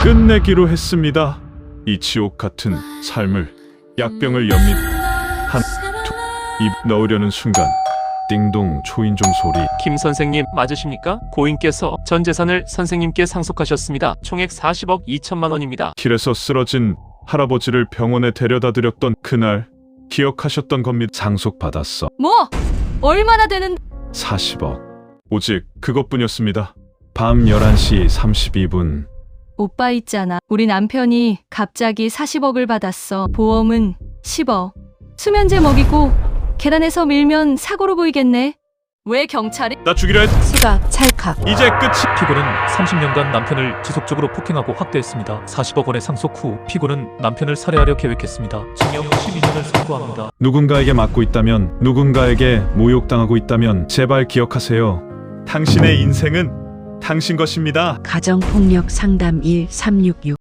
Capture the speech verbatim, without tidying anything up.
끝내기로 했습니다. 이 지옥 같은 삶을 약병을 엽니다. 한, 두, 입 넣으려는 순간 띵동 초인종 소리. 김 선생님 맞으십니까? 고인께서 전 재산을 선생님께 상속하셨습니다. 총액 사십억 이천만 원입니다. 길에서 쓰러진 할아버지를 병원에 데려다 드렸던 그날 기억하셨던 겁니다. 상속받았어. 뭐? 얼마나 되는? 사십억. 오직 그것뿐이었습니다. 밤 열한 시 삼십이 분. 오빠 있잖아. 우리 남편이 갑자기 사십억을 받았어. 보험은 십억. 수면제 먹이고 계단에서 밀면 사고로 보이겠네. 왜 경찰이? 나 죽이려 했... 수갑, 찰칵. 이제 끝이... 피고는 삼십 년간 남편을 지속적으로 폭행하고 학대했습니다. 사십억 원의 상속 후 피고는 남편을 살해하려 계획했습니다. 징역 십이 년을 선고합니다. 누군가에게 맞고 있다면, 누군가에게 모욕당하고 있다면 제발 기억하세요. 당신의 인생은 당신 것입니다. 가정폭력 상담 일삼육육